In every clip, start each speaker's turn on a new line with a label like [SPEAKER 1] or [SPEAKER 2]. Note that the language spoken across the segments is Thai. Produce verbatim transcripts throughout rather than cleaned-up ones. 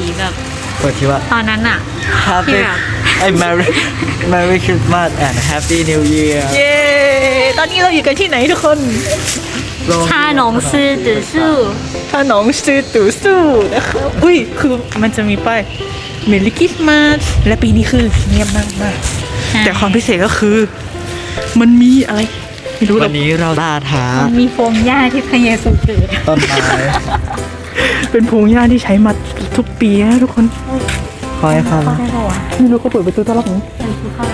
[SPEAKER 1] แบบ
[SPEAKER 2] เปิดที่ว่า
[SPEAKER 1] ตอนนั้นอะ
[SPEAKER 2] Happy
[SPEAKER 1] ที่แบบ
[SPEAKER 2] ไอ้ Merry Merry Christmas and Happy New Year
[SPEAKER 3] เย้ตอนนี้เราอยู่กันที่ไหนทุกคน
[SPEAKER 1] ชาหนองซื่อตือซื่อ
[SPEAKER 3] ถ้าน้องซื้อตู่สู้นะครับอุ้ยคือมันจะมีป้ายเมลิกิสมาสและปีนี้คือเงียบมากมากๆแต่ความพิเศษก็คือ มันมีอะไรไม่รู้หร
[SPEAKER 2] วั
[SPEAKER 3] อก
[SPEAKER 2] นนี้เราล่าท้า
[SPEAKER 1] มีโฟมหญ้าที่พระเยซูเกิด
[SPEAKER 2] ต้นไม้
[SPEAKER 3] เป็นพงหญ้าที่ใช้มาทุกปีนะทุกคน
[SPEAKER 2] คอยเข้ามา
[SPEAKER 1] ได้ปะวะ
[SPEAKER 3] ไม่รู้เขาเปิดประตูต้อนรับผม
[SPEAKER 1] เออคือเขา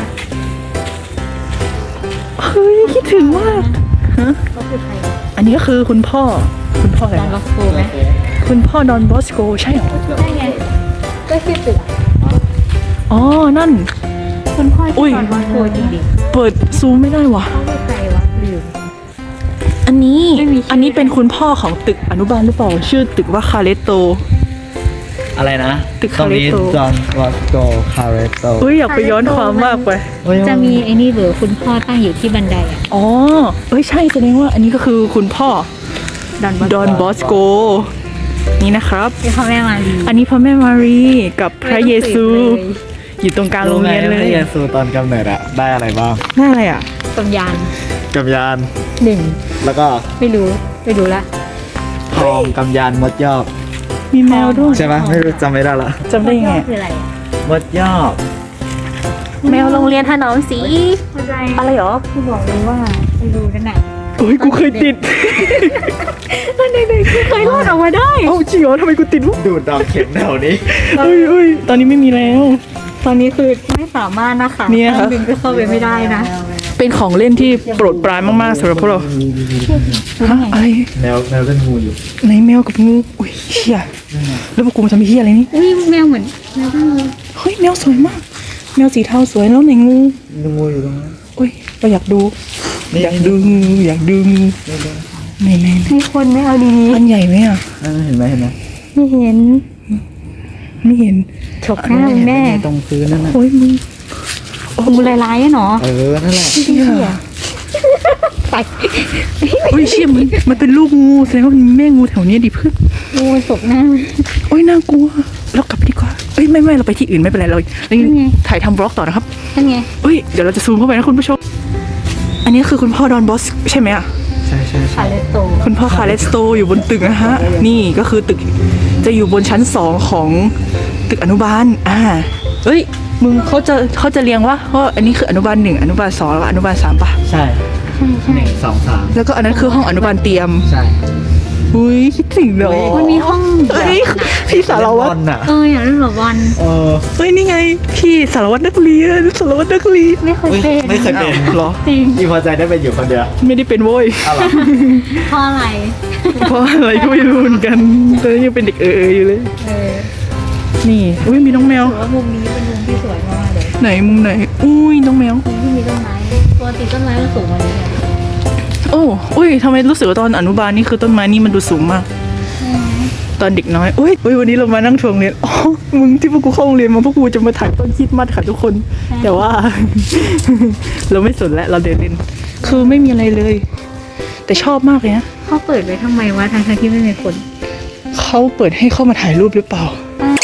[SPEAKER 3] เฮ้ยคิดถึงมากฮะ
[SPEAKER 1] เขาคือใคร
[SPEAKER 3] อันนี้ก็คือคุณพ่อคุณพ่ออะไร
[SPEAKER 1] ดอน
[SPEAKER 3] วะ
[SPEAKER 1] ล็อกโกไหม
[SPEAKER 3] คุณพ่อดอนบอสโกใช่เหรอ
[SPEAKER 1] ได้ไงก็ชื่อตึกอะ
[SPEAKER 3] อ๋อนั่น
[SPEAKER 1] คุณพ่อ
[SPEAKER 3] อุ้
[SPEAKER 1] ที่
[SPEAKER 3] ย
[SPEAKER 1] ดอนล็อกโกจริง
[SPEAKER 3] เปิดซูมไม่ได้วะ
[SPEAKER 1] ๆเขาคือใครวะลืม
[SPEAKER 3] อันนี้
[SPEAKER 1] ไม่มีชื่อ
[SPEAKER 3] อันนี้เป็นคุณพ่อของตึกอนุบาลหรือเปล่าชื่อตึกว่าคาเลโต
[SPEAKER 2] อะไรนะ
[SPEAKER 3] ตึก
[SPEAKER 2] ตรงนี้
[SPEAKER 3] Caretto
[SPEAKER 2] John Bosco Caretto
[SPEAKER 3] เฮ้ยอยากไปย้อนความมากไป
[SPEAKER 2] เฮ้ย
[SPEAKER 1] จะมีไอ้นี่เบอร์คุณพ่อตั้งอยู่ที่บันไดอะ
[SPEAKER 3] อ๋อเอ้ยใช่แสดงว่าอันนี้ก็คือคุณพ่อ
[SPEAKER 1] ดอนบอส
[SPEAKER 3] ดอนบอสโกนี่นะครับ
[SPEAKER 1] ที่พ่อแม่มาลี
[SPEAKER 3] อันนี้พระแม่มารีกับพระเยซู
[SPEAKER 1] ไม่ต้องสืบเลย
[SPEAKER 3] อยู่ตรงกลางโรงเรียนเล
[SPEAKER 2] พ
[SPEAKER 3] ย
[SPEAKER 2] ระเยซูตอนกำเนิดอะได้อะไรบ้าง
[SPEAKER 3] น่าอะไรอ่ะ
[SPEAKER 1] ตำยาน
[SPEAKER 2] กำยาน
[SPEAKER 1] หนึ่ง
[SPEAKER 2] แล้วก็
[SPEAKER 1] ไม่รู้ไม่รู้ละ
[SPEAKER 2] ทองกำยานมดยอก
[SPEAKER 3] มีแมวด้วย
[SPEAKER 2] ใช่ไหมไม่รู้จำไม่ได้ละ
[SPEAKER 3] จำได้ยังไง
[SPEAKER 1] คืออะไรอะ
[SPEAKER 2] มดยอก
[SPEAKER 3] แมวโรงเรียนถนอมสี
[SPEAKER 1] เข้าใจ
[SPEAKER 3] อะไรหรอ
[SPEAKER 1] คือบอกเลยว่าไม่รู้นั่นน่ะ
[SPEAKER 3] โอ้ยกูเคยติด
[SPEAKER 1] มันเด็กๆเคยรอดออกมาได้
[SPEAKER 3] เอ้าจริงเหรอทำไมกูติดวะ
[SPEAKER 2] ดูดดอกเข็มแถวนี้
[SPEAKER 3] เอ้ยเอ้ยตอนนี้ไม่มีแล้ว
[SPEAKER 1] ตอนนี้คือไม่สามารถนะคะ
[SPEAKER 3] เนี่ยค่ะ
[SPEAKER 1] บินก็เข้าไปไม่ได้นะ
[SPEAKER 3] เป็นของเล่นที่โปรดปรานมากๆสำหรับพวกเราฮะอะไร
[SPEAKER 2] แมวแมวเป็นงูอยู่
[SPEAKER 3] ไหนแมวกับงูอุ้ยเชี่ยแล้วพวกกูมาทำเฮียอะไรนี่
[SPEAKER 1] อุ้ยแมวเหมือนแมวตั้งเลย
[SPEAKER 3] เฮ้ยแมวสวยมาก แมวสีเทาสวยแล้วไหนงู
[SPEAKER 2] งูอยู่ตรงนั้น
[SPEAKER 3] อุ้ยเราอยากดู
[SPEAKER 2] นี่
[SPEAKER 3] อยากดูงูอยากดูงูไหนไหนไหน
[SPEAKER 1] มีคนไม่เอาดี
[SPEAKER 3] อันใหญ่ไหมอ่ะ
[SPEAKER 2] นั่นเห็นไหมเห็นไหม
[SPEAKER 1] ๆไม่เห็น
[SPEAKER 3] ไม่เห็น
[SPEAKER 1] ฉกหน้ามึงแน่
[SPEAKER 2] ตรงพื้นนั่นน่ะ
[SPEAKER 3] โอ้ยมึง
[SPEAKER 1] งูลายๆอะเนาะ
[SPEAKER 2] เออนั่นแหละ
[SPEAKER 3] เชี่ย
[SPEAKER 1] ไป
[SPEAKER 3] อุ้ยเชี่ยมันมันเป็นลูกงูแสดงว่ามันมีแม่งูแถวนี้ดิเพื่อน
[SPEAKER 1] งูฉกหน้า
[SPEAKER 3] โอ้ยน่ากลัวเรากลับไปดีกว่าเอ้ยไม่ไม่เราไปที่อื่นไม่เป็นไรเราเรายัง
[SPEAKER 1] ยังไง
[SPEAKER 3] ถ่ายทำบล็อกต่อนะครับ
[SPEAKER 1] นั่นไง
[SPEAKER 3] เอ้ยเดี๋ยวเราจะซูมเข้าไปนะคุณผู้ชม อันนี้คือคุณพ่อดอนบอสใช่ไหมอ่ะ
[SPEAKER 2] ใช่ใช่ใช่
[SPEAKER 1] คาเลโต
[SPEAKER 3] คุณพ่อคาเลสโตอยู่บนตึกนะฮะ นี่ก็คือตึกจะอยู่บนชั้นสองของตึกอนุบาล อ่า เฮ้ย มึงเขาจะเขาจะเรียงว่าว่าอันนี้คืออนุบาลหนึ่งอนุบาลสองแล้วก็อนุบาลสามปะ
[SPEAKER 2] ใช่หนึ่งสองสาม
[SPEAKER 3] แล้วก็อันนั้นคือห้องอนุบาลเตรียม
[SPEAKER 2] ใช่
[SPEAKER 3] อุ้ยคิดถึงเนาะ
[SPEAKER 1] มันมีห้อง
[SPEAKER 3] เฮ้ยพี่สารวัตร
[SPEAKER 2] บอลน่ะ
[SPEAKER 1] เอออย่างเรื่องหลบอล
[SPEAKER 2] เออ
[SPEAKER 3] เฮ้ยนี่ไง พี่สารวัตรนักเรียนสารวัตรนักเรียน
[SPEAKER 1] ไม่เคยเป็น
[SPEAKER 2] ไม่เคยเป็น
[SPEAKER 3] เหรอ
[SPEAKER 1] จริง
[SPEAKER 2] อีพอใจได้เป็นอยู่คนเดียว
[SPEAKER 3] ไม่ได้เป็นโว้ย
[SPEAKER 2] อะไร
[SPEAKER 1] เพราะอะไร
[SPEAKER 3] เพราะอะไรก็ไม่รู้เหมือนกันตอนนี้ยังเป็นเด็กเอออยู่เลย
[SPEAKER 1] เออ
[SPEAKER 3] นี่อุ้ยมีน้องแมว
[SPEAKER 1] ถือว่ามุมนี้เป็นมุมที่สวยมากๆเลย
[SPEAKER 3] ไหนมุมไหน อุ้ยน้องแมว
[SPEAKER 1] มุมที่มีต้นไม้ปกติต้นไม้มันสูงกว่านี้เนี่ย
[SPEAKER 3] โอ้อุ้ยทำไมรู้สึกว่าตอนอนุบาลนี่คือต้นไม้นี่มันดูสูงมาก ตอนเด็กน้อยอุ้ยอุ้ยวันนี้เรามานั่งทวงเรียนอ๋อมึงที่พวกกูเข้าโรงเรียนมาพวกกูจะมาถ่ายต้นคริดมัดค่ะทุกคน แต่ว่า เราไม่สนแล้วเราเดินเล่น คือไม่มีอะไรเลย แต่ชอบมากเลยนะ
[SPEAKER 1] เขาเปิดไว้ทำไมวะทางๆที่ไม่มีคน
[SPEAKER 3] เขาเปิดให้เข้ามาถ่ายรูปหรือเปล่า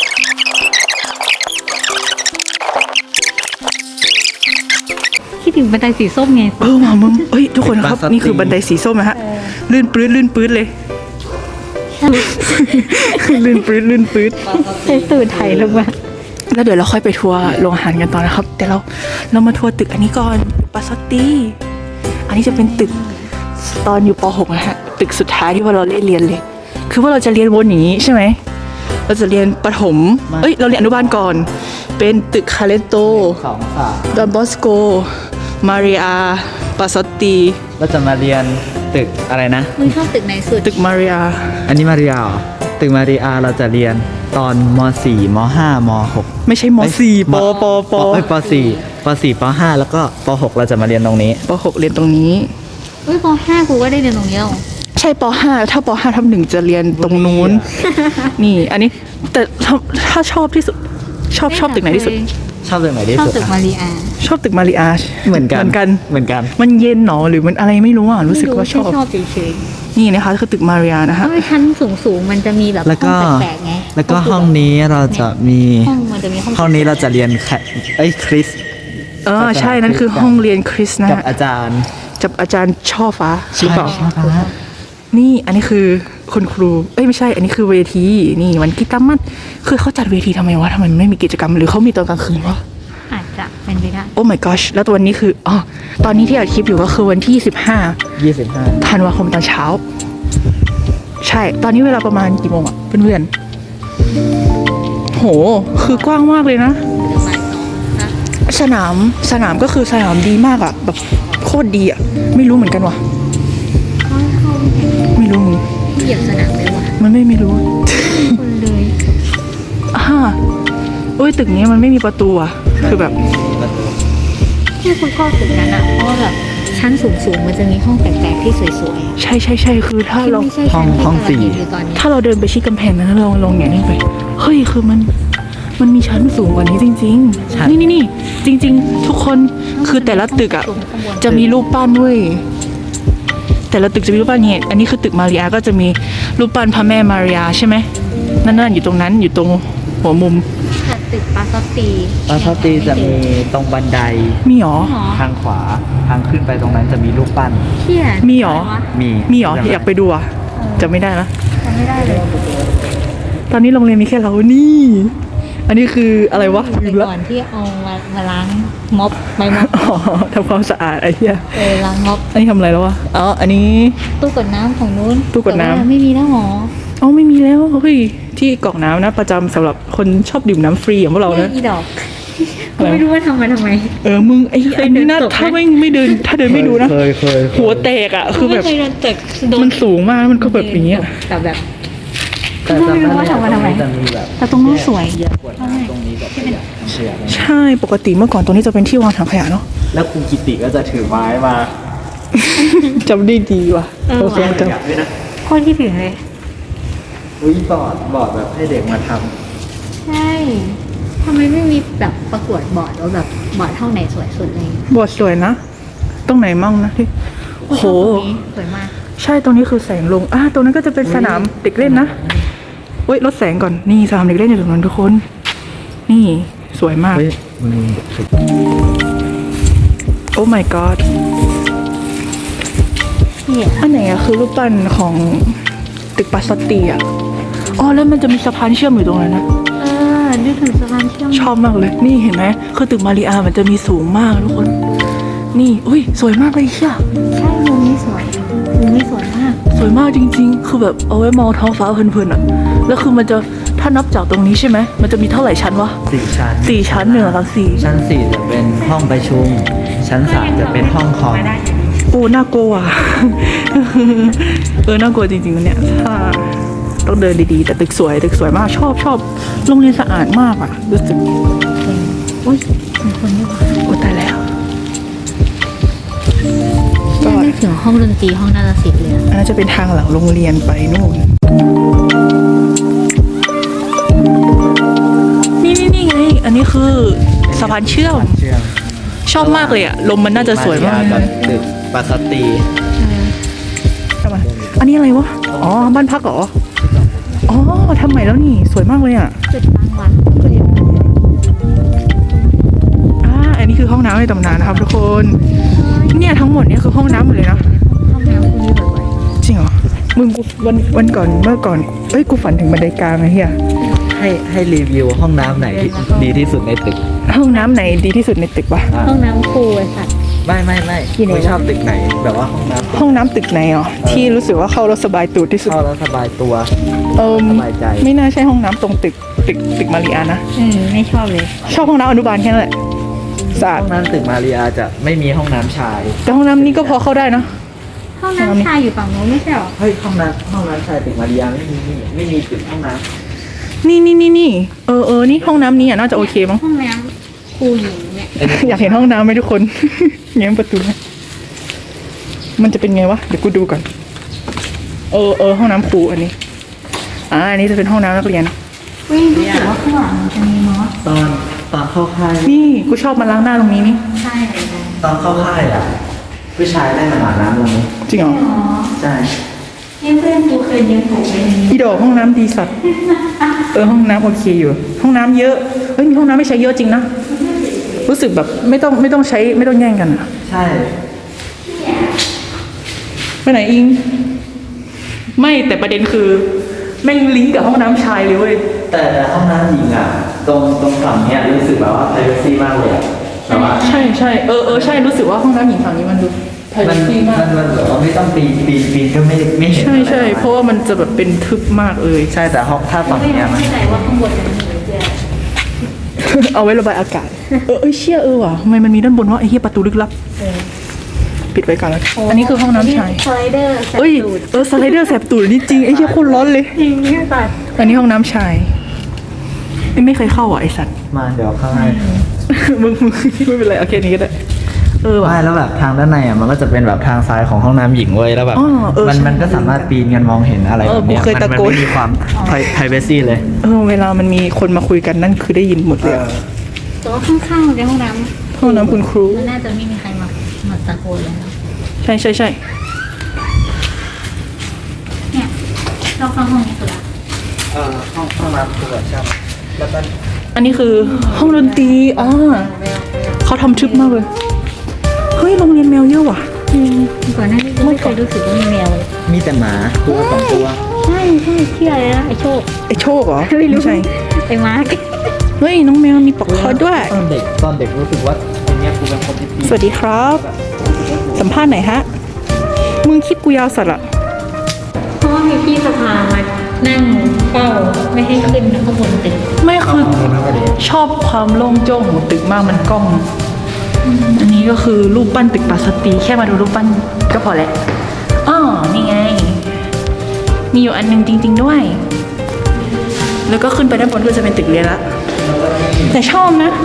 [SPEAKER 1] คิดถึงบันไดสีส้มไง
[SPEAKER 3] เออมามึงเอ้ยทุกคนครับ นี่คือบันไดสีส้มนะฮะ ลื่นปื้ดลื่นปื้ดเลย ลื่นปื้ดลื่นปื้ด
[SPEAKER 1] ใช้ตูดไถลงมา
[SPEAKER 3] แล้วเดี๋ยวเราค่อยไปทัวร์โรงอาหารกันต่อนะครับ แต่เราเรามาทัวร์ตึกอันนี้ก่อนปาซอตตี้อันนี้จะเป็นตึกตอนอยู่ป .หก นะฮะตึกสุดท้ายที่ว่าเราได้เรียนเลย คือว่าเราจะเรียนวนอย่างนี้ใช่ไหมเราจะเรียนประถมเอ้ยเราเรียนอนุบาลก่อน เป็นตึกคาเลโต
[SPEAKER 2] สองสาม
[SPEAKER 3] ดอนบอสโกมาริอาปาซอตตี
[SPEAKER 2] เราจะมาเรียนตึกอะไรนะ
[SPEAKER 1] มึงชอบตึกไหนสุด
[SPEAKER 3] ตึกมาริอา
[SPEAKER 2] อันนี้มาริอาเหรอตึกมาริอาเราจะเรียนตอนม สี่ม ห้า ม หก
[SPEAKER 3] ไม่ใช่ม .สี่ ปปป
[SPEAKER 2] เอ้ยป .สี่ ป .สี่ ป .ห้า แล้วก็ป .หก เราจะมาเรียนตรงนี้
[SPEAKER 3] ป .หก เรียนตรงนี้
[SPEAKER 1] เฮ้ยปห้ากูก็ได้เรียนตรงนี้หรอ
[SPEAKER 3] ใช่ป .ห้า ถ้าป .ห้า ทับหนึ่งจะเรียนตรงนู้น นี่ อันนี้แต่ถ้าถ้าชอบที่สุดชอบชอบตึกไหนที่สุด
[SPEAKER 2] ชอบตึกไหนที่
[SPEAKER 1] ชอบ
[SPEAKER 2] สุด
[SPEAKER 1] ตึก
[SPEAKER 2] อะ
[SPEAKER 1] มารีอา
[SPEAKER 3] ชอบตึกมาริอาช
[SPEAKER 2] เหมือนกัน
[SPEAKER 3] เหมือนกัน
[SPEAKER 2] เหมือนกัน
[SPEAKER 3] มันเย็นหนอหรือมันอะไรไม่รู้อ่ะรู้สึกว่าชอบ
[SPEAKER 1] ชอบเฉย
[SPEAKER 3] มนี่นะคะคือตึกมาเรียนะ
[SPEAKER 1] ถ้า
[SPEAKER 3] ฮะ
[SPEAKER 1] เป็นชั้นสูงสูงๆมันจะมีแบบ
[SPEAKER 2] แล้วก็
[SPEAKER 1] ห้องแปลกๆไง
[SPEAKER 2] แล้วก็ห้องนี้เราจะมี
[SPEAKER 1] ห้องมันจะมีห้อง
[SPEAKER 2] ห้องนี้เราจะเรียนแคเอ้ยคริส
[SPEAKER 3] เออใช่นั่นคือห้องเรียนคริสนะ
[SPEAKER 2] กับ
[SPEAKER 3] ฮะ
[SPEAKER 2] อาจารย์
[SPEAKER 3] จับอาจารย์ช่อฟ้าหรือเปล่า
[SPEAKER 2] ใช่ครับ
[SPEAKER 3] นี่อันนี้คือคุณครู เอ้ยไม่ใช่ อันนี้คือเวที นี่วันกิตามัดคือเขาจัดเวทีทำไมวะทำไมมันไม่มีกิจกรรมหรือเขามีตอนกลางคืนวะ
[SPEAKER 1] อาจจะเป็นไปได้
[SPEAKER 3] โอ้ my gosh แล้วตัวนี้คืออ๋อตอนนี้ที่อัดคลิปอยู่ก็คือวันที่สิบห้า
[SPEAKER 2] ยี่สิบห้า
[SPEAKER 3] ธันวาคมตอนเช้า ใช่ ตอนนี้เวลาประมาณกี่โมงอะเพื่อนๆโห คือกว้างมากเลยนะ
[SPEAKER 1] บ่ายสองนะ
[SPEAKER 3] สนามสนามก็คือสนามดีมากอะแบบโคตรดีอะไม่รู้เหมือนกันว่ะ
[SPEAKER 1] เข้าเข้าแข่ง
[SPEAKER 3] ไม่รู้มึง
[SPEAKER 1] เหยียบสนามเลยว่ะ
[SPEAKER 3] มันไม่ไม่รู้
[SPEAKER 1] คนเลย
[SPEAKER 3] อ่าเอ้ยตึกนี้มันไม่มีประตูอะคือแบบ
[SPEAKER 1] ที่คุณพ่อตึกนั้นอ่ะเพราะว่าแบบชั้นสูงสูงๆมันจะมีห้องแปลกๆที่สวยๆอะ
[SPEAKER 3] ใช่ใช่ใช่คือถ้า
[SPEAKER 1] ที่
[SPEAKER 3] เรา
[SPEAKER 1] ไม่ใช่ชั้นที่กำลังเห็นอยู่ตอนนี้
[SPEAKER 3] ถ้าเราเดินไปชี้กำแพงนั้นเราลงอย่างนี้ไปเฮ้ยคือมันมันมีชั้นสูงกว่านี้จริง
[SPEAKER 2] ใช่
[SPEAKER 3] ๆ นี่นี่นี่จริง ๆ ทุกคนคือแต่ละตึกอะจะมีรูปปั้นด้วยแต่ละตึกจะมีรูปปั้นเนี่ยอันนี้คือตึกมาริอาก็จะมีรูปปั้นพระแม่มาริอาใช่ไหมนั่นนั่นอยู่ตรงนั้นอยู่ตรงหัวมุม
[SPEAKER 1] แต่ตึกปาซอตตี
[SPEAKER 2] ปาทอตีจะมีตรงบันได
[SPEAKER 3] มีหรอ
[SPEAKER 1] หรอ
[SPEAKER 2] ทางขวาทางขึ้นไปตรงนั้นจะมีรูปปั้น
[SPEAKER 1] เที่ย
[SPEAKER 3] มีหรอ
[SPEAKER 1] ะไวะ
[SPEAKER 2] มี
[SPEAKER 3] มีหรออยากไปดูอะจะไม่ได้นะ
[SPEAKER 1] จำไม่ได้เลย
[SPEAKER 3] ตอนนี้โรงเรียนมีแค่เรานี่ อันนี้คืออะไรวะ
[SPEAKER 1] แต่
[SPEAKER 3] ลืมละ
[SPEAKER 1] ก่อนที่เอามามาล้างม็อบไม่ม็อบ
[SPEAKER 3] อ๋อทำความสะอาดไอ้เหี้ย
[SPEAKER 1] เออล้างม็อบ
[SPEAKER 3] อันนี้ทำอะไรแล้ววะ อ๋อ อันนี้
[SPEAKER 1] ตู้กดน้ำของนู้น
[SPEAKER 3] ตู้กดน้ำ
[SPEAKER 1] แต่ว่าไม่มีแล้วหรอ
[SPEAKER 3] อ๋อไม่มีแล้วเฮ้ยที่กรอกน้ำนะ ประจำสำหรับคนชอบดื่มน้ำฟรีอย่างพวกเรา
[SPEAKER 1] เนี่ย
[SPEAKER 3] นะ
[SPEAKER 1] อีดอก
[SPEAKER 3] อะไร
[SPEAKER 1] ไม่รู้ว่าทำมาทำไม
[SPEAKER 3] เออ มึงไอ้
[SPEAKER 1] เคย
[SPEAKER 3] ไอ้นี่นะ
[SPEAKER 1] เดินตกไหม
[SPEAKER 3] ถ้าไม่ไม่เดิน ถ้าเดินไม่ดูนะ
[SPEAKER 2] เคยเคยเคย
[SPEAKER 3] หัวแตกอ่ะ คือแบบ
[SPEAKER 1] ไม่เคยโดนตึกโด
[SPEAKER 3] มันสูงมากมันก็แบบอย่างเงี้ย
[SPEAKER 1] แต่แบบ
[SPEAKER 2] แต่จำ
[SPEAKER 1] ไม่รู้
[SPEAKER 2] ได้
[SPEAKER 1] ว่าทำมาทำไม
[SPEAKER 2] จะมีแบบ
[SPEAKER 1] แต่ตรงนู้นสวย
[SPEAKER 2] แยกขวดน้ำตรงนี้กับขยะเชียร์
[SPEAKER 3] ใช่ ปกติเมื่อก่อนตรงนี้จะเป็นที่วางถังขยะเนาะ
[SPEAKER 2] แล้วครูกิติก็จะถือไม้มา
[SPEAKER 3] จำได้ดีว่ะ
[SPEAKER 1] เออ
[SPEAKER 3] โอเค
[SPEAKER 1] ว่ะ
[SPEAKER 3] จ
[SPEAKER 2] ขยะด้วยนะ
[SPEAKER 1] โคตรคิดถึงเลย
[SPEAKER 2] อุ้ยบอร์ดบอร์ดแบบให้เด็กมาท
[SPEAKER 1] ใช่ทำไมไม่มีแบบประกวดบอร์ดว่าแบบบอร์ดเท่าไหนสวยสุดเลย
[SPEAKER 3] ำบทสวยนะ ตรงไหนมั่งนะที่โห
[SPEAKER 1] ตรงนี้สวยมาก
[SPEAKER 3] ใช่ตรงนี้คือแสงลง อ่าตรงนั้นก็จะเป็นสนามเด็กเล่นนะเว้ยลดแสงก่อน นี่สนามเด็กเล่นอยู่ตรงนั้นทุกคน นี่สวยมาก
[SPEAKER 2] ำเฮ้ยมึงถึง
[SPEAKER 3] โอ้ my god
[SPEAKER 1] เนี่ย
[SPEAKER 3] อันไหนอะคือรูปปั้นของตึกปัสสตีอะอ๋อแล้วมันจะมีสะพานเชื่อมอยู่ตรงนั้นนะ
[SPEAKER 1] เออนึกถึงสะพานเชื่อม
[SPEAKER 3] ชอบมากเลย นี่เห็นไหมคือตึกมาริอามันจะมีสูงมากทุกคน นี่อุ้ยสวยมากเลยเชีย
[SPEAKER 1] ใช่มุมนี้สวยมุมนี้สวยมาก
[SPEAKER 3] สวยมากจริง ๆ คือแบบเอาไว้มองท้องฟ้าเพลินๆอะแล้วคือมันจะถ้านับจากตรงนี้ใช่ไหมมันจะมีเท่าไหร่ชั้นวะ
[SPEAKER 2] สี่ชั้น
[SPEAKER 3] สี่ชั้นหนึ่งสองสี่
[SPEAKER 2] ชั้นสี่จะเป็นห้องประชุม ชั้นสามจะเป็นห้องคอม
[SPEAKER 3] โอ้น่ากลัวอ่ะ เออน่ากลัวจริงๆวันเนี้ยถ้าต้องเดินดีๆ แต่ตึกสวยตึกสวยมากชอบชอบโรงเรียนสะอาดมากอ่ะรู้สึก
[SPEAKER 1] อุ้ยมีคนด้วยว่ะ
[SPEAKER 3] โอ้ตายแล้ว ก็
[SPEAKER 1] เนี่ยนึกถึงห้องดนตรีห้องนาฏศิลป์เลยอะ
[SPEAKER 3] อันนั้นจะเป็นทางหลังโรงเรียนไปนู่นนี่นี่นี่ไง อันนี้คือสะพานเชื่อม
[SPEAKER 2] เชื่อม
[SPEAKER 3] ชอบมากเลยอ่ะลมมันน่าจะสวยมาก
[SPEAKER 2] กับตึกปัสสตี
[SPEAKER 3] ทำไมอันนี้อะไรวะอ๋อบ้านพักเหรออ๋อทำใหม่แล้วนี่สวยมากเลยอ่ะ
[SPEAKER 1] จุดตั้งวัด
[SPEAKER 3] อ่าอันนี้คือห้องน้ำในตำนานนะครับทุกคน เนี่ยทั้งหมดเนี่ยคือห้องน้ำหมดเลยนะ
[SPEAKER 1] ห้องน้ำคุณนี่บ่อย
[SPEAKER 3] จริงเหรอ มึงกูวันวันก่อนเมื่อก่อน เอ้ยกูฝันถึงบันไดกลางไอ้เหี้ย
[SPEAKER 2] ให้ให้รีวิวห้องน้ำไหนที่ดีที่สุดในตึก
[SPEAKER 3] ห้องน้ำไหนดีที่สุดในตึกวะ
[SPEAKER 2] อ่ะ
[SPEAKER 1] ๆห้องน้ำครูไอ้สัตว์
[SPEAKER 2] ไม่ไม่ไม่
[SPEAKER 1] ที่ไหนวะ
[SPEAKER 2] ไม่ชอบตึกไหน แบบว่าห้องน้ำ
[SPEAKER 3] ห้องน้ำตึกไหนอ๋อที่รู้สึกว่าเข้าแล้วสบายตูดที่สุด
[SPEAKER 2] เข้าแล้วสบายตัว
[SPEAKER 3] เออ
[SPEAKER 2] สบายใจ
[SPEAKER 3] ไม่น่าใช่ห้องน้ำตรงตึกตึกตึกมาริอานะ
[SPEAKER 1] อืมไม่ชอบเลย
[SPEAKER 3] ชอบห้องน้ำอนุบาลแค่นั้นแหละสะอาด
[SPEAKER 2] ห้องน้ำตึกมาริอาจะไม่มีห้องน้ำชาย
[SPEAKER 3] แต่ห้องน้ำนี้ก็พอเข้าได้นะ
[SPEAKER 1] ห้องน้ำชายอยู่ฝั่งโน้นไม่ใช่หรอ
[SPEAKER 2] เฮ้ยห้องน้ำห้องน้ำชายตึกมาริอาไม่มีไม่มีตึกห้องน้
[SPEAKER 3] นี่นี่นี่นี่เออเออนี่ห้องน้ำนี้อ่ะน่าจะโอเคมั้ง
[SPEAKER 1] ห้องน้ำครูหญิงเนี่ย
[SPEAKER 3] อยากเห็นห้องน้ำไหมทุกคน แง้มประตูไหมมันจะเป็นไงวะ เดี๋ยวกูดูก่อน เออเออห้องน้ำครูอันนี้ อ่า อันนี้จะเป็นห้องน้ำนักเรียน
[SPEAKER 1] เว้ยรู้สึกว่าข้างหลังมันจะมีมอส
[SPEAKER 2] ำตอนตอนเข้าค่าย
[SPEAKER 3] นี่กูชอบมาล้างหน้าตรงนี้นี่
[SPEAKER 1] ใช่เลยนะ
[SPEAKER 2] ตอนเข้าค่ายอ่ะผู้ชายได้มาอาบน้ำตรงนี้
[SPEAKER 3] จริงเหรอ
[SPEAKER 1] อ๋อ
[SPEAKER 2] ใช่
[SPEAKER 1] นี่เพื่อนกูเคยเลี้ยงผมเลย
[SPEAKER 3] อีดอกห้องน้ำดีสัตว์เออห้องน้ำโอเคอยู่ ห้องน้ำเยอะเฮ้ยมีห้องน้ำไม่ใช้เยอะจริงนะรู้สึกแบบไม่ต้องไม่ต้องใช้ไม่ต้องแย่งกันอะ
[SPEAKER 2] ใช่
[SPEAKER 3] ไปไหนอิง ไม่แต่ประเด็นคือแม่งลิงก์กับห้องน้ำชายเลยเว้ย
[SPEAKER 2] แต่แต่ห้องน้ำหญิงอ่ะ ตรงตรงฝั่งเนี้ยรู้สึกแบบว่า privacy มากเลยอะแต่ว่า
[SPEAKER 3] ใช่ใช่เออเออใช่รู้สึกว่าห้องน้ำหญิงฝั่งนี้มันดูไพร
[SPEAKER 2] มัน
[SPEAKER 3] ซีมาก
[SPEAKER 2] มันมันแบบว่าไม่ต้องปีนปีนปีนก็ไม่ไม่เห็น
[SPEAKER 3] ใช่ใช่
[SPEAKER 2] อไ
[SPEAKER 3] เพราะว่ามันจะแบบเป็นทึบมากเลย
[SPEAKER 2] ใช่แต่ห้องถ้าฝั่ง
[SPEAKER 1] ไม่
[SPEAKER 2] เนี้ยมัน
[SPEAKER 1] เข้าใจว่าข้างบนมันมีอะไรเพื่อน
[SPEAKER 3] เอาไว้ระบายอากาศ เออเอ้ยเชี่ยเออว่ะทำไมมันมีด้านบนวะไอ้เหี้ยประตูลึกลับ ปิดไว้ก่อนแล้วกันอันนี้คือห้องน้ำชาย
[SPEAKER 1] สไลเดอร์แสบ
[SPEAKER 3] เอ้ย
[SPEAKER 1] ตูด
[SPEAKER 3] เออสไลเดอร์แสบตูดนี่จริงไอ้เหี้ยโคตรร้อนเลย
[SPEAKER 1] จริงเนี่ยสัตว์
[SPEAKER 3] อันนี้ห้องน้ำชายไม่ไม่เคยเข้าอ่ะไอสัตว์
[SPEAKER 2] มาเดี๋ยวข้างใน
[SPEAKER 3] มึงมึงไม่เป็นไรโอเคนี้ก็ได้เออว่ะ
[SPEAKER 2] ไม่แล้วแบบทางด้านในอ่ะมันก็จะเป็นแบบทางซ้ายของห้องน้ำหญิงเว้ยแล้วแบบ
[SPEAKER 3] อ๋อเออ
[SPEAKER 2] มัน
[SPEAKER 3] ใช่
[SPEAKER 2] มันก็สามารถปีนกันมองเห็นอะไร
[SPEAKER 3] เอ
[SPEAKER 2] แบ
[SPEAKER 3] อบ
[SPEAKER 2] เนี้ย
[SPEAKER 3] กูเคย
[SPEAKER 2] มัน
[SPEAKER 3] ตะ
[SPEAKER 2] มัน
[SPEAKER 3] โกน
[SPEAKER 2] ไม่มีความ privacy เลย
[SPEAKER 3] เออเวลามันมีคนมาคุยกันนั่นคือได้ยินหมดเลยอะ
[SPEAKER 1] แต่ว่าข้างๆในห้องน้ำ
[SPEAKER 3] ห้องน้ำคุณครู
[SPEAKER 1] มันน่าจะไม่มีใครมามาตะโกนเลยนะ
[SPEAKER 3] ใช่ใช่ใช่
[SPEAKER 1] เนี่ยเราเข้าห้องนี้สุดละ
[SPEAKER 2] เออห้องห้องน้ำคือแบบใช่แล้วก็
[SPEAKER 3] อันนี้คือห้องดนตรีอ่าเขาทำทึบมากเลยเฮ้ยโรงเรียนแมวเยอะว่ะ
[SPEAKER 1] อืมก่อนหน้านี้ไม่เคยรู้สึกว่ามีแมวเลย
[SPEAKER 2] มีแต่หมาตัวสองตัว
[SPEAKER 1] ใช่ใช่เชื่อเลยนะไอโชค
[SPEAKER 3] ไอโชคเหรอ
[SPEAKER 1] ไม่รู้
[SPEAKER 3] ใช่
[SPEAKER 1] ไอมาร์ค
[SPEAKER 3] เฮ้ยน้องแมวมีปลอกคอด้วย
[SPEAKER 2] ตอนเด็กตอนเด็กรู้สึกว่าตรงเนี้ยกูเป็นคนที่ปีน
[SPEAKER 3] สวัสดีครับ สัมภาษณ์หน่อยฮะมึงคลิปกูยาวสัตว์อะ
[SPEAKER 1] เพราะว่ามีพี่สภามานั่งเฝ้าไม่ให้ขึ้นข้างบนตึก
[SPEAKER 3] ไม่คือ
[SPEAKER 2] ห้องน้ำก็ดี
[SPEAKER 3] ชอบความโล่งโจ้งของตึกมากมันกล้อง อันนี้ก็คือรูปปั้นตึกปราสาทแค่มาดูรูปปั้นก็พอแล้วอ๋อนี่ไง มีอยู่อันหนึงจริง ๆด้วย แล้วก็ขึ้นไปด้านบนก็จะเป็นตึกเรียนละ แต่ชอบนะ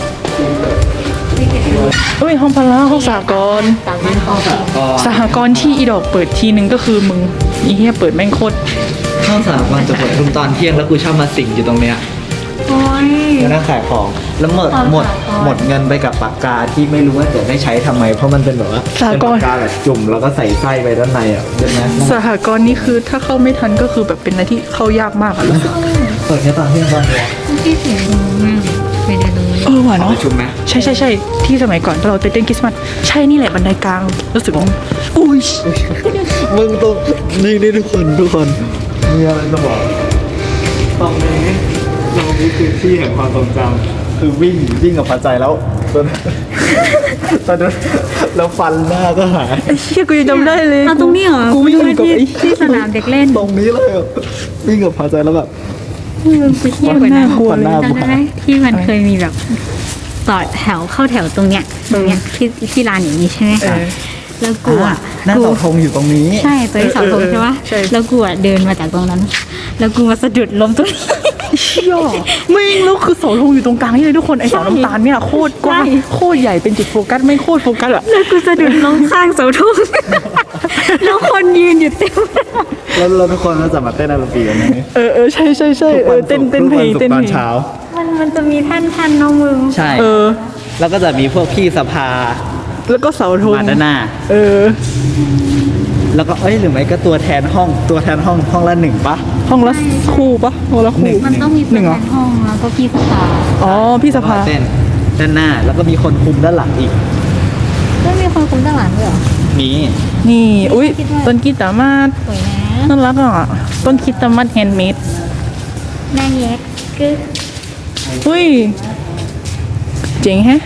[SPEAKER 3] เอ้ยห้องพละห้องสหกรณ์
[SPEAKER 1] สามารถออก
[SPEAKER 2] ก็
[SPEAKER 3] สหกรณ์ที่อีดอกเปิดทีนึงก็คือมึงอีเหี้ยเปิดแม่งโคตร
[SPEAKER 2] ห้องสามวันจะเปิดทุกตอนเที่ยงแล้วกูชอบมาสิงอยู่ตรงเนี้ย
[SPEAKER 1] โอ้ย
[SPEAKER 2] แล้วนั่งขายของแล้วหมด
[SPEAKER 1] ความ
[SPEAKER 2] หมด
[SPEAKER 1] สากล
[SPEAKER 2] หมดเงินไปกับปากกาที่ไม่รู้ว่าจะได้ใช้ทำไม เพราะมันเป็นแบบว่า
[SPEAKER 3] สากล
[SPEAKER 2] เป็นปากกาแบบจุ่มแล้วก็ใส่ไส้ไปด้านในอ่ะใช่ไหม
[SPEAKER 3] สหกรณ์นี่คือถ้าเข้าไม่ทันก็คือแบบเป็นอะไรที่เข้ายากมากอะรู้สึก
[SPEAKER 2] เปิดแค่ตอนเที่ยงตอนเดียว
[SPEAKER 1] ที่เสียงดังมากไม่ได้รู้
[SPEAKER 3] เออว่ะ
[SPEAKER 2] เอา
[SPEAKER 3] เนาะ
[SPEAKER 2] ประชุมไหม
[SPEAKER 3] ใช่ใช่ใช่ที่สมัยก่อนเราไปเต้นคริสต์มาสใช่นี่แหละบันไดกลางรู้สึกว่าอุ้ย
[SPEAKER 2] มึงต้องนี่นี่ทุกคนทุกคนมีอะไรจะบอกตรงนี้ตรงนี้คือที่แห่งความทรงจำคือวิ่งวิ่งกับพาใจแล้วตอนตอนนั้นแล้วฟันหน้าก็หาย
[SPEAKER 3] ไอ้เชี่ยกูยังจำได้เลย
[SPEAKER 1] เอาตรงนี้เหรอ
[SPEAKER 3] กูวิ่งกับ
[SPEAKER 1] ที่
[SPEAKER 3] ไอ้
[SPEAKER 1] ที่สนามเด็กเล่น
[SPEAKER 2] ตรงนี้เลยอะวิ่งกับพาใจแล้วแบบ
[SPEAKER 1] ไปเที่ยวกว่านั้น
[SPEAKER 3] กลัว
[SPEAKER 2] ฟันห
[SPEAKER 3] เลย
[SPEAKER 2] น้ากู
[SPEAKER 1] จำได้
[SPEAKER 2] หา
[SPEAKER 1] ไหม
[SPEAKER 2] ย
[SPEAKER 1] ที่มันเคยมีแบบต่อแถวเข้าแถวตรงเนี้ยตรงเนี้ยที่ที่ลานอย่างนี้ใช่ไหม
[SPEAKER 3] เอ
[SPEAKER 1] คะ
[SPEAKER 3] อ
[SPEAKER 1] แล้วกูอ่ะ
[SPEAKER 2] หน้า
[SPEAKER 1] กู
[SPEAKER 2] เสาธงอยู่ตรงนี้
[SPEAKER 1] ใช่ตัวที่เสาธง
[SPEAKER 3] เออเออ
[SPEAKER 1] ใช่ปะ
[SPEAKER 3] ใช่
[SPEAKER 1] แล้วกูอ่ะเดินมาจากตรงนั้น แล้วกูมาสะดุดล้มตรงนี้
[SPEAKER 3] เชี่ยไม่งแล้วคือเสาธงอยู่ตรงกลางนี่เลยทุกคนไอ้เสาน้ำตาลเนี่ยโคตรกว้าง
[SPEAKER 1] ใช่
[SPEAKER 3] โคตรใหญ่เป็นจุดโฟกัสไม่งโคตรโฟกัสอะ
[SPEAKER 1] แล้วกูสะดุดล้มข้างเสาธง แล้วคนยืนอยู่เต็ม
[SPEAKER 2] แล้วเราทุกคนก็จะมาเต้นอาราบีกันไหม
[SPEAKER 3] เออเออใช่ใช่ใช่เออเต้นเต้นเพลงเต้น
[SPEAKER 2] ต
[SPEAKER 3] เพ
[SPEAKER 2] อน
[SPEAKER 3] ลง
[SPEAKER 2] เช้า
[SPEAKER 1] มันมันจะมีท่านท่านๆเน้องมึง
[SPEAKER 2] ใช่
[SPEAKER 3] เออ
[SPEAKER 2] แล้วก็จะมีพวกพี่สภา
[SPEAKER 3] แล้วก็เสาธง
[SPEAKER 2] มาด้านหน้า
[SPEAKER 3] เออ
[SPEAKER 2] แล้วก็เอ้ยหรือไม่ก็ตัวแทนห้องตัวแทนห้องห้องละหนึ่งปะ
[SPEAKER 3] ห้องละคู่ปะห้องละคู่
[SPEAKER 1] มันต้องมี
[SPEAKER 3] ห
[SPEAKER 1] ตัว
[SPEAKER 3] นึ่ง
[SPEAKER 1] แท
[SPEAKER 3] เหรอ
[SPEAKER 1] นห้องแล้วก็พี่สภา
[SPEAKER 3] อ๋อพี่สภา
[SPEAKER 2] เต้นด้านหน้าแล้วก็มีคนคุมด้านหลังอีก
[SPEAKER 1] ไม่มีคนคุมด้านหลังด้วยเหรอ
[SPEAKER 2] มี
[SPEAKER 3] นี่อุ้ย
[SPEAKER 1] คิดว่า
[SPEAKER 3] ต้นกีตาร์มาส
[SPEAKER 1] สวยนะ
[SPEAKER 3] น่ารักอ่ะต้นคิดตามัดแฮนด์เมด
[SPEAKER 1] หน้าแยกกึ๊ก
[SPEAKER 3] อุ้ยเจ๋งแฮะ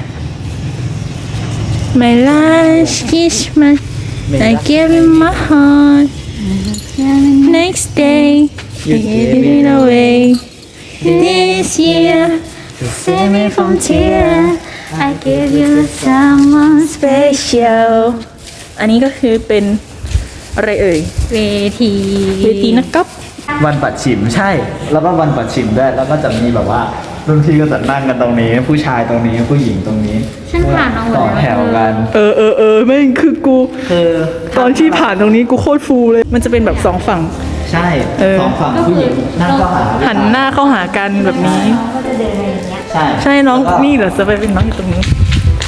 [SPEAKER 3] My last kiss my I gave you my heart Next day
[SPEAKER 2] You
[SPEAKER 3] I gave it away This year
[SPEAKER 2] to
[SPEAKER 1] Save me from tear I give you someone
[SPEAKER 3] special อันนี้ก็คือเป็นอะไรเอ่ย
[SPEAKER 1] เวที
[SPEAKER 3] เวทีนะครับ
[SPEAKER 2] วันปัดฉิมใช่ แล้วก็วันปัดฉิมด้วยแล้วก็จะมีแบบว่ารุ่นพี่ก็จะนั่งกันตรงนี้ ผู้ชายตรงนี้ผู้หญิงตรงนี้
[SPEAKER 1] ฉันผ่านเอาหมด
[SPEAKER 2] ต่อ
[SPEAKER 1] แล้ว
[SPEAKER 2] แถวกัน
[SPEAKER 3] เออเออเออแม่งคือกู
[SPEAKER 2] คือ
[SPEAKER 3] ตอนที่ผ่านตรงนี้กูโคตรฟูเลย มันจะเป็นแบบสองฝั่ง
[SPEAKER 2] ใช่
[SPEAKER 3] เออ
[SPEAKER 2] สองฝั่งผู้หญิงนั่งเข้าหา
[SPEAKER 3] หันหน้าเข้าหากันแบบนี้
[SPEAKER 1] น้องก็จะเดินอะไรอย่างเงี้ย
[SPEAKER 2] ใช่
[SPEAKER 3] ใช่น้อง
[SPEAKER 2] แล้วก็
[SPEAKER 3] นี่เหรอจะไปเป็นน้องอยู่ตรงนี้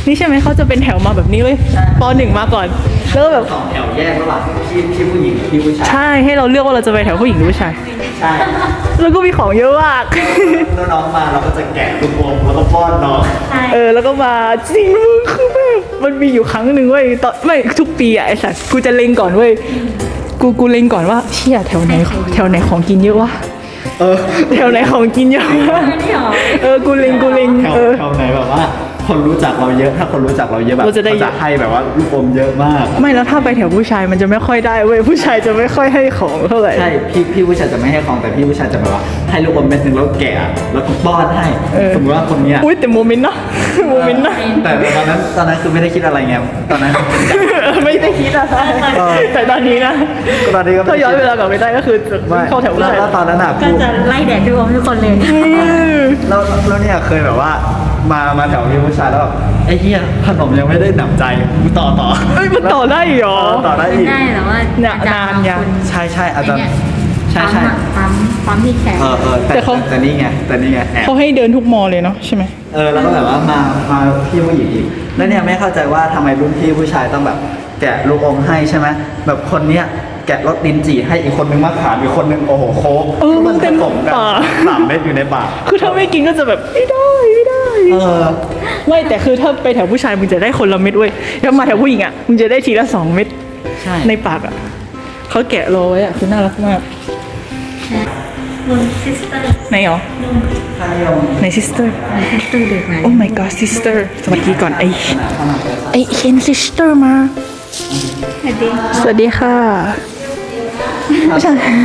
[SPEAKER 3] นี่ใช่ไหมเขาจะเป็นแถวมาแบบนี้เลยปหนึ่งมาก่อนแล้วก็แบบ
[SPEAKER 2] สองแถวแยกระหว่างพี่พี่ผู้หญิงพี่ผู้ชาย
[SPEAKER 3] ใช่ให้เราเลือกว่าเราจะไปแถวผู้หญิงหรือผู้ชาย
[SPEAKER 2] ใช่
[SPEAKER 3] แล้วก็มีของเยอะมาก
[SPEAKER 2] แล้วน้องมาเราก็จะแกะลูกอมแล้วก็ป้อนน้อง
[SPEAKER 3] เออแล้วก็มาจริงมึงคือแบบมันมีอยู่ครั้งหนึ่งเว้ยตอนไม่ทุกปีอะไอ้สัสกูจะเล็งก่อนเว้ยกูกูเล็งก่อนว่าเชี่ยแถวไหนแถวไหนของกินเยอะวะ
[SPEAKER 2] เออ
[SPEAKER 3] แถวไหนของกินเยอะวะเออกูเล็งกูเล็ง
[SPEAKER 2] แถว
[SPEAKER 3] เออ
[SPEAKER 2] แถวไหนแบบว่า คนรู้จักเราเยอะถ้าคนรู้จักเราเยอะแบบ
[SPEAKER 3] เราจะได้
[SPEAKER 2] เขาจะให้แบบว่าลูกอมเยอะมาก
[SPEAKER 3] ไม่แล้วถ้าไปแถวผู้ชายมันจะไม่ค่อยได้เว้ยผู้ชายจะไม่ค่อยให้ของเท่าไหร่
[SPEAKER 2] ใช่พี่พี่ผู้ชายจะไม่ให้ของแต่พี่ผู้ชายจะแบบว่าให้ลูกอมเม็ดหนึ่งแล้วแกะแล้วก็ป้อนให้
[SPEAKER 3] เออ
[SPEAKER 2] สมมติว่าคนเนี้ย
[SPEAKER 3] อุ้ยแต่โมเมนต์นะโมเมนต์นะ
[SPEAKER 2] แต่ตอนนั้นตอนนั้นคือไม่ได้คิดอะไรไงตอนนั้น
[SPEAKER 3] ไม่ได้คิดอะไร
[SPEAKER 2] เออ
[SPEAKER 3] แต่ตอนนี้นะ
[SPEAKER 2] ตอนนี้ก็ไม่
[SPEAKER 3] ถ้า
[SPEAKER 2] ได้
[SPEAKER 3] ย้อนเวลากลับไปได้ก็คือจะ
[SPEAKER 2] ไม่
[SPEAKER 3] เข้าแถวผู้
[SPEAKER 2] แล้ว
[SPEAKER 3] ชาย
[SPEAKER 2] แล้วตอนนั้นอ่ะ
[SPEAKER 1] ก็
[SPEAKER 2] กู
[SPEAKER 1] จะไล่แดดทุกคนทุกคนเลย
[SPEAKER 3] อืม
[SPEAKER 2] แล้วแล้วเนี่ยเคยแบบว่ามามาแถวพี่ผู้ชายแล้วแบบไอ้เหี้ยขนมยังไม่ได้หนำใจกูต่อต่อ
[SPEAKER 3] เอ้ยมันต่อได้เหรอ
[SPEAKER 2] เออต่อได้
[SPEAKER 1] ไม่
[SPEAKER 2] อีก
[SPEAKER 1] ได้แต่ว่า
[SPEAKER 3] เนี่ย
[SPEAKER 1] อาจารย์
[SPEAKER 3] นานยัง
[SPEAKER 1] บางคน
[SPEAKER 2] ใช่ใช่อาจารย์
[SPEAKER 1] ไเนี่ย
[SPEAKER 2] ใช่ใช่
[SPEAKER 1] ปั๊มอะปั๊มปั๊มที่แขน
[SPEAKER 2] เออเออแต่
[SPEAKER 3] แต่เขา
[SPEAKER 2] แต่นี่ไงแต่นี่ไงแอบ
[SPEAKER 3] เขาให้เดินทุกมอเลยเนาะใช่ไหม
[SPEAKER 2] เออแล้วก็แบบว่ามามาพี่ผู้หญิงอีกแล้วเนี่ยไม่เข้าใจว่าทำไมรุ่นพี่ผู้ชายต้องแบบ แกะลูกอมให้ใช่ไหมแบบคนเนี้ยแกะรสลิ้นจี่ให้อีกคนนึงมะขามอีกคนนึงโอ้โหโค้ก
[SPEAKER 3] เออมัน
[SPEAKER 2] ผ
[SPEAKER 3] เต็ม
[SPEAKER 2] สมกัน
[SPEAKER 3] ปาก
[SPEAKER 2] สามเม็ดอยู่ในปาก
[SPEAKER 3] คือถ้าไม่กินก็จะแบบไม่ได้ไม่ได้
[SPEAKER 2] เออ
[SPEAKER 3] ไม่แต่คือถ้าไปแถวผู้ชายมึงจะได้คนละเม็ดเว้ยถ้ามาแถวผู้หญิงอ่ะมึงจะได้ทีละสองเม็ด
[SPEAKER 2] ใช่
[SPEAKER 3] ในปากอ่ะเขาแกะรอไว้อ่ะคือน่ารักมาก
[SPEAKER 1] นุ่นซิสเตอร์
[SPEAKER 3] ไหนหรอ
[SPEAKER 2] ค่านิยม
[SPEAKER 3] ไหน sister
[SPEAKER 1] ซิสเตอร์เด็กไหน
[SPEAKER 3] oh my god sister สวัสดีก่อนไอไอเคน sister มา
[SPEAKER 1] สวัสดี
[SPEAKER 3] สวัสดีค่ะไม่ใช่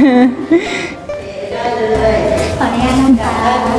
[SPEAKER 1] ขออนุญาตนั่งก่อน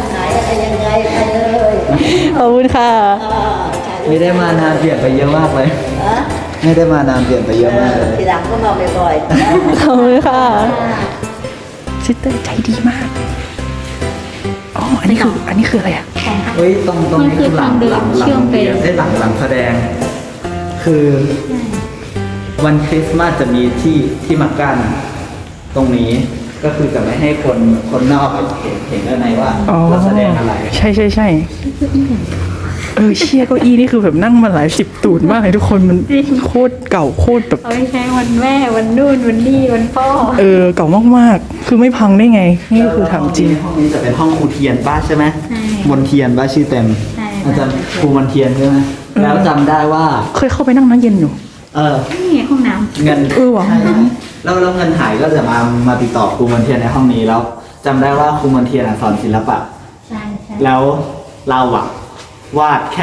[SPEAKER 3] ขอบคุณค่ะ
[SPEAKER 2] ไม่ได้มานานเปลี่ยนไปเยอะมากเลย
[SPEAKER 4] ฮะ
[SPEAKER 2] ไม่ได้มานานเปลี่ยนไปเยอะมากเลย
[SPEAKER 4] ทีหลังก็มาบ่อยๆนะ
[SPEAKER 3] ขอบคุณค่ะ sister ใจดีมากอ๋ออันนี้คืออันนี้คืออะไรอ่ะ
[SPEAKER 2] เฮ้ยตรงตรงนี้คือหลังหลังหลังเรียนได้หลังหลังแสดง คือวันคริสต์มาสจะมีที่ที่มากั้นตรงนี้ก็คือจะไม่ให้คนคนนอกเห็นเห็นด้านในว่า
[SPEAKER 3] อ๋อ
[SPEAKER 2] เราแสดงอะไร
[SPEAKER 3] ใช่ใช่ใช่เออเชี่ยเก้าอี้นี่คือแบบนั่งมาหลายสิบตูดมากเลยทุกคนมันโคตรเก่าโคตรแบบ
[SPEAKER 1] เอาไปใช้วันแม่วันนู่นวันนี่วันพ่อ
[SPEAKER 3] เออเก่ามากๆ คือไม่พังได้ไง นี่ก็คือถามจริง
[SPEAKER 2] ห้องนี้จะเป็นห้องครูเทียนป้าใช่ไหม
[SPEAKER 1] ใช่
[SPEAKER 2] มนเทียนป้าชื่อเต็ม
[SPEAKER 1] ใช่
[SPEAKER 2] อาจารย์ครูมนเทียนใช่ไหม
[SPEAKER 3] เออ
[SPEAKER 2] แล้วจำได้ว่า
[SPEAKER 3] เคยเข้าไปนั่งน้ำเย็นอยู่
[SPEAKER 2] เออ
[SPEAKER 1] นี่ไงห้องน้
[SPEAKER 2] เงิน
[SPEAKER 3] เออว่ะ
[SPEAKER 2] ใช่แล้วแล้วเงินหายก็จะมามาติดต่อครูมนเทียนในห้องนี้แล้วจำได้ว่าครูมนเทียนอะสอนศิลปะ
[SPEAKER 1] ำใช่ใช่
[SPEAKER 2] แล้วเราอะวาดแค่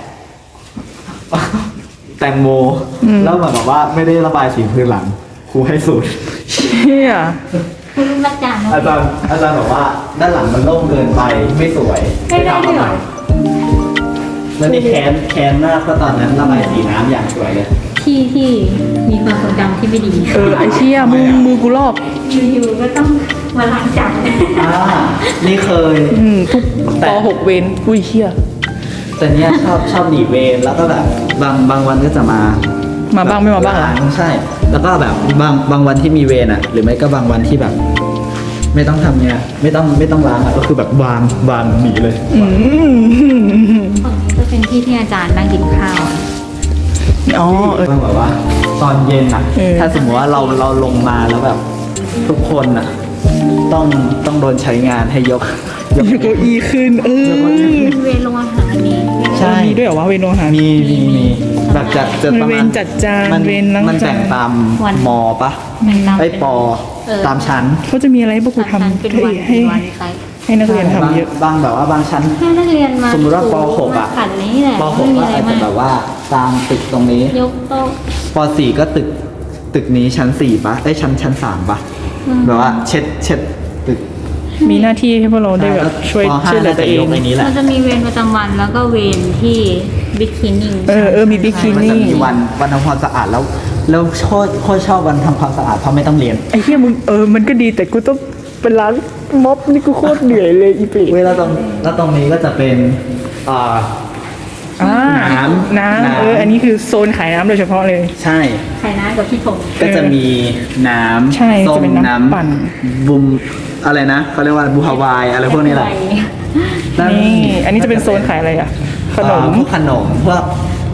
[SPEAKER 2] แตงโม แล้วเหมือนกับว่าไม่ได้ระบายสีพื้นหลังครูให้สูตร
[SPEAKER 3] เชี่ย
[SPEAKER 1] คุณรู้มาจารย์
[SPEAKER 2] อาจารย์อาจารย์บอกว่าด้านหลังมันโล่งเกินไปไม่สวย
[SPEAKER 1] ไม่ได้ด้วยเหรอ
[SPEAKER 2] แล้วนี่แค้นแค้นมากเพราะตอนนั้นระบายสีน้ำอย่างสวยเลย
[SPEAKER 1] ที่ที่มีความทรงจำที่ไม่ดี
[SPEAKER 3] เออไอเชี่ยมือมือกูลอก
[SPEAKER 1] อยู่ๆก็ต้องมาล้างจาน
[SPEAKER 2] อ่านี่เคย
[SPEAKER 3] อืมทุก
[SPEAKER 2] แต่
[SPEAKER 3] ปหกเวนอุ้ยเชี่ย
[SPEAKER 2] แต่เนี้ยชอบชอบหนีเวรแล้วก็แบบบางบางวันก็จะมา
[SPEAKER 3] มาบ้างไม่มาบ้างเหรอ
[SPEAKER 2] ใช่ แล้วก็แบบบางบางวันที่มีเวรอ่ะ หรือไม่ก็บางวันที่แบบ ไม่ต้องทำเนี่ยไม่ต้องไม่ต้องล้างอ่ะก็คือแบบวางวางหนีเลย
[SPEAKER 3] อืม
[SPEAKER 1] ฝั่งนี้ก็เป็นที่ที่อาจารย์นั่งกินข้าว
[SPEAKER 3] อ๋อเออ
[SPEAKER 2] ก็แบบว่า ตอนเย็นอ่ะ
[SPEAKER 3] เออ
[SPEAKER 2] ถ้าสมมติว่าเราเราลงมาแล้วแบบ ทุกคนอ่ะ ต้องต้องโดนใช้งานให้ยกยก
[SPEAKER 3] ยกเก้าอี้ขึ้น เออ
[SPEAKER 1] เวรโรงอาหารนี่
[SPEAKER 2] ใช่
[SPEAKER 3] มีด้วยเหรอวะเวนโรงอาหาร
[SPEAKER 2] มีมีมีแบบจัดจัดประ
[SPEAKER 3] เว
[SPEAKER 2] มาณ
[SPEAKER 3] รจัดจาน
[SPEAKER 2] มัน
[SPEAKER 3] เวรล้าง
[SPEAKER 2] มัน
[SPEAKER 3] จาน
[SPEAKER 2] แบ่งตามมอปะ
[SPEAKER 1] แบ่งตาม
[SPEAKER 2] ไอ้ปอ
[SPEAKER 1] เออ
[SPEAKER 2] ตามชั้น
[SPEAKER 3] เขาจะมีอะไรให้พวกกู
[SPEAKER 1] ชั้น
[SPEAKER 3] ทำ
[SPEAKER 1] เป็น
[SPEAKER 3] ให้
[SPEAKER 1] วัน
[SPEAKER 3] ให้
[SPEAKER 1] เป็นวันไป
[SPEAKER 3] ให้นักเรียนทำเยอะ
[SPEAKER 2] บางบางแบบว่าบางชั้น
[SPEAKER 1] แค่นักเรียนมา
[SPEAKER 2] สมมุติว่าปหกอะ
[SPEAKER 1] ขันนี้แหละ
[SPEAKER 2] ปห
[SPEAKER 1] ไม่
[SPEAKER 2] ก
[SPEAKER 1] มี
[SPEAKER 2] ก็
[SPEAKER 1] อะไร
[SPEAKER 2] อาจจะ
[SPEAKER 1] มาก
[SPEAKER 2] แบบว่าตามตึกตรงนี้
[SPEAKER 1] ยกโต๊ะ
[SPEAKER 2] ปสี่ก็ตึกตึกนี้ชั้นสี่ปะไอ้ยชั้นชั้นสามปะ
[SPEAKER 1] อืม
[SPEAKER 2] แบบว่าเช็ดเช็ดตึก
[SPEAKER 3] มีหน้าที่ให้พวกเราได้แบบช่วย
[SPEAKER 2] ปห้า
[SPEAKER 3] ช่วยเหลือตัวเอง
[SPEAKER 2] น่าจะยกไอ้นี้แหละ
[SPEAKER 1] เราจะมีเวรประจำวันแล้วก็เวรที่บิ๊กคลีนนิ่ง
[SPEAKER 3] เออเออมีบิ๊กคลี
[SPEAKER 2] มันจะมีวันวันทำความสะอาดแล้ว แล้วโคตรโคตรชอบวันทำความสะอาดเพราะไม่ต้องเรียน
[SPEAKER 3] ไอ้เหี้ยมึงเออมันก็ดีแต่กูต้องเป็นร้านม็อบนี่กูโคตรเหนื่อยเลยอีปี
[SPEAKER 2] เว้ยแล้วตรงแล้วตรงนี้ก็จะเป็นอ่า
[SPEAKER 3] อ่า
[SPEAKER 2] น้ำ
[SPEAKER 3] น้ำ
[SPEAKER 2] น้ำ
[SPEAKER 3] เอออันนี้คือโซนขายน้ำโดยเฉพาะเลย
[SPEAKER 2] ใช่
[SPEAKER 1] ไข่น้ำกับพี่ถง
[SPEAKER 2] ก็จะมีน้ำ
[SPEAKER 3] ใช่
[SPEAKER 2] ส้
[SPEAKER 3] จะ
[SPEAKER 2] ม
[SPEAKER 3] เป็นน้ำปั่น
[SPEAKER 2] บุมอะไรนะเขาเรียกว่าบูฮาวายอะไรพวกนี้แหละ
[SPEAKER 3] นี่อันนี้จะเป็นโซนขายอะไรอ่ะ ขนม
[SPEAKER 2] อ่าพวกขนมพวกพ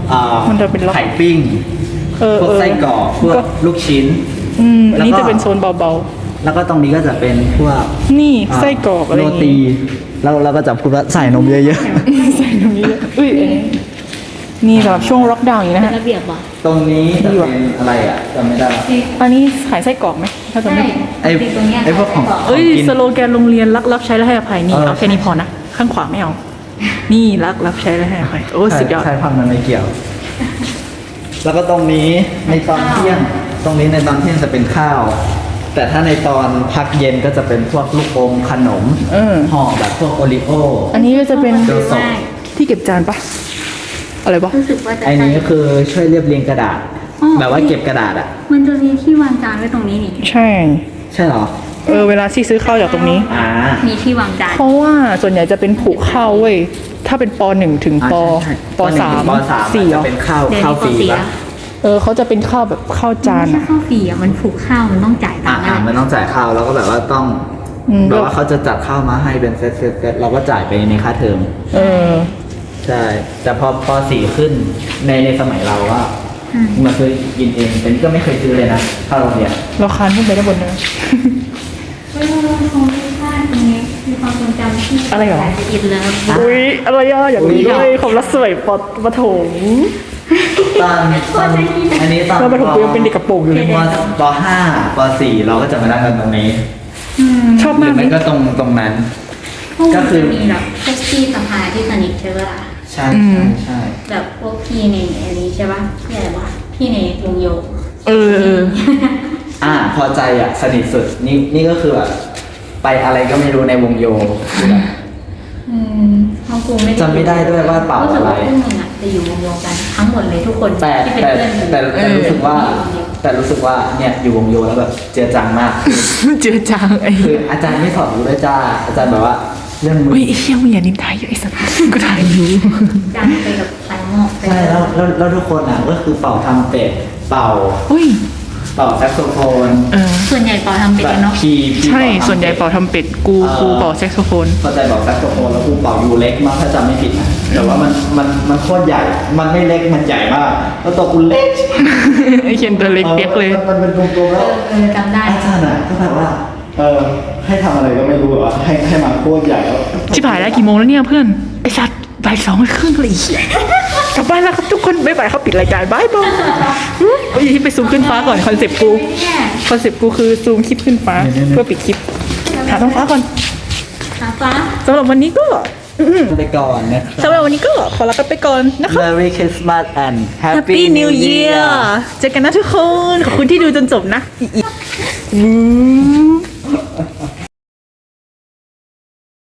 [SPEAKER 2] อ่า
[SPEAKER 3] มันจะเป็นล็อก
[SPEAKER 2] ไข่ปิ้ง
[SPEAKER 3] เออ
[SPEAKER 2] พวก
[SPEAKER 3] เออ
[SPEAKER 2] ไส้กรอกพวก
[SPEAKER 3] ก็
[SPEAKER 2] ลูกชิ้น
[SPEAKER 3] อืมอันนี้
[SPEAKER 2] แล้วก็
[SPEAKER 3] จะเป็นโซนเบา
[SPEAKER 2] แล้วก็ตรงนี้ก็จะเป็นพวก
[SPEAKER 3] ๆ นี่ไส้กรอกอะไรอ
[SPEAKER 2] โร
[SPEAKER 3] ย่าง
[SPEAKER 2] ตี
[SPEAKER 3] งี้
[SPEAKER 2] แล้วเราก็จะพูดว่าใส่นมเยอะ
[SPEAKER 3] ใส่ตรงนี้เลยอุ้ยอันนี้นี่สำหรับช่วงล็อกดาวน์อย่างนี้นะ
[SPEAKER 1] เป็น
[SPEAKER 3] ฮะ
[SPEAKER 1] ระเบียบว่ะ
[SPEAKER 2] ๆ ตรงนี้จะเป็นอะไรอ่ะจำไม่ได้ละ
[SPEAKER 3] อันนี้ขายไส้กรอกไหมถ้าจะไม่ผิด
[SPEAKER 2] ไอ้
[SPEAKER 1] ตรงเนี้ย
[SPEAKER 2] ไอ้พวกของ
[SPEAKER 3] เอ้ย
[SPEAKER 2] กิน
[SPEAKER 3] สโลแกนโรงเรียนรักรับใช้และให้อภัยนี่
[SPEAKER 2] เออ
[SPEAKER 3] เอาแค่นี้พอนะ ข้างขวาไม่เอา นี่รักรับใช้และให้อภัยโอ้สุดยอด
[SPEAKER 2] ใช่พันมันไม่เกี่ยว แล้วก็ตรงนี้ในตอนเที่ยง ตรงนี้ในตอนเที่ยงจะเป็นข้าว แต่ถ้าในตอนพักเย็นก็จะเป็นพวกลูกอมขนม
[SPEAKER 3] เออ
[SPEAKER 2] ห่อแบบพวกโอริโอ
[SPEAKER 3] อันนี้ก็จะเป็น
[SPEAKER 2] เดี๋ยวส่ง
[SPEAKER 3] ที่เก็บจานปะอะไรปะ
[SPEAKER 1] รู้สึกว่าจะ
[SPEAKER 2] ไอ้นี้ก็คือช่วยเรียบเรียงกระดาษ
[SPEAKER 1] อ๋อ
[SPEAKER 2] แบบว่าเก็บกระดาษอ่ะ
[SPEAKER 1] มันจะมีที่วางจานไว้ตรงนี้นี่
[SPEAKER 3] ใช่
[SPEAKER 2] ใช่เหรอ
[SPEAKER 3] เออเวลาที่ซื้อข้าวจากตรงนี้
[SPEAKER 2] อ่า
[SPEAKER 1] มีที่วางจาน
[SPEAKER 3] เพราะว่าส่วนใหญ่จะเป็นผูกข้าวเว้ย ถ้าเป็นปหนึ่งถึงป
[SPEAKER 2] อ่าใช่
[SPEAKER 3] ปสาม
[SPEAKER 2] ปสาม
[SPEAKER 3] สี่เหร
[SPEAKER 2] จะ
[SPEAKER 3] อ
[SPEAKER 2] เป็นข้าว
[SPEAKER 1] เดี๋ยว
[SPEAKER 2] ข้าว
[SPEAKER 1] นี้
[SPEAKER 2] ฟรี
[SPEAKER 1] ปสี่
[SPEAKER 2] ปะ
[SPEAKER 1] ละ
[SPEAKER 3] เออเขาจะเป็นข้าวแบบข้าวจาน
[SPEAKER 1] ไม่ใช่
[SPEAKER 3] อะ
[SPEAKER 1] ข้าวฟรีอ่ะมันผูกข้าวมันต้องจ่ายตั
[SPEAKER 2] อ่าง
[SPEAKER 1] ค์
[SPEAKER 2] อ่า
[SPEAKER 1] อะ
[SPEAKER 2] มันต้องจ่ายข้าวแล้วก็แบบว่าต้อง
[SPEAKER 3] อืม
[SPEAKER 2] แบบว่าเขาจะจัดข้าวมาให้เป็นเซตเซตเซตเราก็จ่ายไปในค่าเทอม
[SPEAKER 3] เออ
[SPEAKER 2] ใช่ แต่พอปสี่ขึ้นในในสมัยเราว่ามาซื้อกินเองแต่นี่ก็ไม่เคยซื้อเลยนะข้าวโรงเรียน
[SPEAKER 3] เราคานขึ้นไปด้านบนนะ
[SPEAKER 1] เฮ้ยเราคงไม่พลาดตรงนี้มีความทรงจำที่
[SPEAKER 3] อะไรเหรอ
[SPEAKER 1] ละเอียดแล้ว
[SPEAKER 3] อุ้ยอะไรอ่ะอย่างนี้เลยความรักสวยปอปฐม
[SPEAKER 2] ตอนตอนอันนี้ตอน
[SPEAKER 3] แล้วปฐมกูยังเป็นเด็กกระโปรงอยู่เลย
[SPEAKER 2] ปปห้าปสี่เราก็จะมานั่งกันตรงนี้
[SPEAKER 3] ชอบ
[SPEAKER 2] หรื
[SPEAKER 3] มาก
[SPEAKER 2] อ
[SPEAKER 3] เล
[SPEAKER 2] ไม่
[SPEAKER 3] ย
[SPEAKER 2] ก็ตรงตรงนั้น
[SPEAKER 1] พวก
[SPEAKER 2] ก็
[SPEAKER 1] มัน
[SPEAKER 2] คือ
[SPEAKER 1] จะมีแบบพวกพี่สภาที่สนิทใช่ปะล่ะ
[SPEAKER 2] ใช่
[SPEAKER 3] อืม
[SPEAKER 2] ใช่
[SPEAKER 1] แบบพวกพี่ในอันนี้ใช่ปะพี่อะไรวะพี่ในวงโย
[SPEAKER 3] เออเออ
[SPEAKER 2] อ่าพอใจอ่ะสนิทสุดนี่นี่ก็คือแบบไปอะไรก็ไม่รู้ในวงโยคือแบบ
[SPEAKER 1] อืมห้องกูไม่
[SPEAKER 2] จำไม่ได้ด้วยว่าเป่า
[SPEAKER 1] รู้สึก
[SPEAKER 2] อะไร
[SPEAKER 1] ว่าพวกมึงอ่ะจะอยู่วงโยกันทั้งหมดเลยทุกคน
[SPEAKER 2] แต่
[SPEAKER 1] ที่เป็น
[SPEAKER 2] แต่
[SPEAKER 1] เพื่อนกู
[SPEAKER 2] แต่แต่รู้สึกว่า แต่รู้สึกว่าเนี่ยอยู่วงโยแล้วแบบเจือจังมาก
[SPEAKER 3] เจือจางไอ้
[SPEAKER 2] คืออาจารย์ไม่สอนรู้ด้วยจ้าอาจารย์แบบว่าเรื่องมือ
[SPEAKER 3] เฮ้ยไอ้เชี่ยมึงอย่านินทาเยอะไอ้สัตว์กูถ่ายอยู่
[SPEAKER 1] จานไปกับไฟหม้อไป
[SPEAKER 2] ใช่แล้วแล้วแล้วทุกคนอ่ะก็คือเป่าทำเป็ดเป่า
[SPEAKER 3] เฮ้ย
[SPEAKER 2] เป่าแซกโซโฟน
[SPEAKER 3] เออ
[SPEAKER 1] ส่วนใหญ่ปอทำเป็น
[SPEAKER 2] แบบ
[SPEAKER 1] กันเนาะ
[SPEAKER 2] พีพี
[SPEAKER 3] ใช่
[SPEAKER 2] เป่าทำ
[SPEAKER 3] ส่วนใหญ่เป่าทำเป็ด กู กูเป่าแซกโซโฟน
[SPEAKER 2] เข้าใจบอกแซกโซโฟนแล้วกูเป่ายูเล็กมากถ้าจำไม่ผิดนะแต่ว่ามันมันมันโคตรใหญ่ มันไม่เล็กมันใหญ่มากแล้วตัวกูเล็ก
[SPEAKER 3] ไอ้เคนตัวเล็กเปียกเลย
[SPEAKER 2] มันมันเป็นกลมๆ
[SPEAKER 1] เอ
[SPEAKER 2] แล้ว
[SPEAKER 1] อเออจำได้
[SPEAKER 2] อาจารย์อ่ะก็แบบว่า เออให้ทำอะไรก็ไม่รู้แบบว่าให้ให้มาโคตรใหญ่แล้ว
[SPEAKER 3] ชิบหายแล้วกี่โมงแล้วเนี่ยเพื่อน ไอ้สัตว์บ่ายสองครึ่งเลยอีกกลับบ้านแล้วครับทุกคนบ๊ายบายเขาปิดรายการบายบายเฮ้ยไปซูมขึ้นฟ้าก่อนคอนเซ็ปต์กู
[SPEAKER 1] เนี่ย
[SPEAKER 3] คอนเซ็ปต์กูคือซูมคลิปขึ้นฟ้าเพื่อปิดคลิปหาท้องฟ้าก่อน
[SPEAKER 1] หาฟ้า
[SPEAKER 3] สำหรับวันนี้ก็
[SPEAKER 2] ไปก่อนนะ
[SPEAKER 3] สำหรับวันนี้ก็ขอลากันไปก่อนนะครับ
[SPEAKER 2] Merry Christmas and
[SPEAKER 3] Happy New Year เจอกันนะทุกคน ขอบคุณที่ดูจนจบนะอีอีอืม